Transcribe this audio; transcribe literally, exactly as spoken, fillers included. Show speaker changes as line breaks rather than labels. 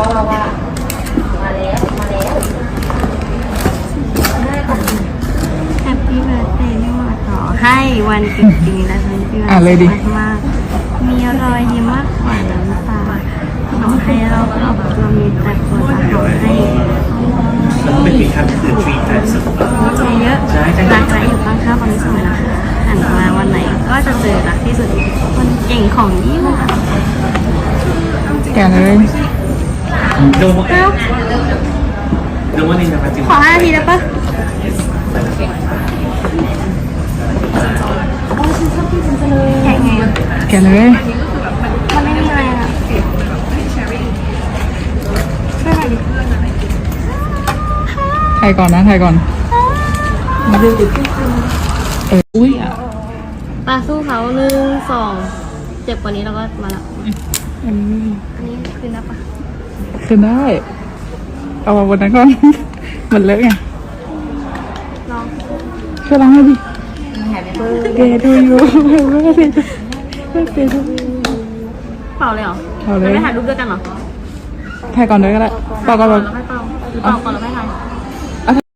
มาแล้วมาแล้ว
แฮปปี้เบิร์ดเดย์นี่มาขอให้วันจริงๆและทั้งปี
อ่ะเลยดิ
มากๆมีรอยยิ้มมากกว่าน้ำตาขอให้เราครอบครัวมีแต่คนรักขอให้
แล้วก็เป็นปีครับคือ three times
ใจเยอะรักและอยู่ข้างๆความสุขนะคะหันมาวันไหนก็จะเจอรักที่สุดคนเก่งของยิ่งค่ะ
แกะเลย
โดมโดมนี่นะครับจริง
ขอห้านาทีได้ปะแข่งไง
แกะเลย
มันไม่มีอะไรอ่ะช่วยหน่อยดิ
ถ่ายก่อนนะถ่ายก่อนเอออุ้ยอ่ะ
ปลาสู้เขาหนึ่งสองเจ็บกว่านี้เราก็มาละ
อันนี้
อันนี้คือนับปะ
คือได้ เอามาบนนั้นก่อน มันเลอะไง
ลอง
ช่วยล้างให้ดิเกดูอยู่ไม่ได้ไม่ได้ดู
เปล่าเลยเหรอ
เอาเลย
ไม่ถ่ายรูปด้วยกันเหรอ
ถ่ายก่อนเลยก็ได้ต่อก่อน
เราไม่เปล่าหรือเปล่าก่อนเราไม่ถ่าย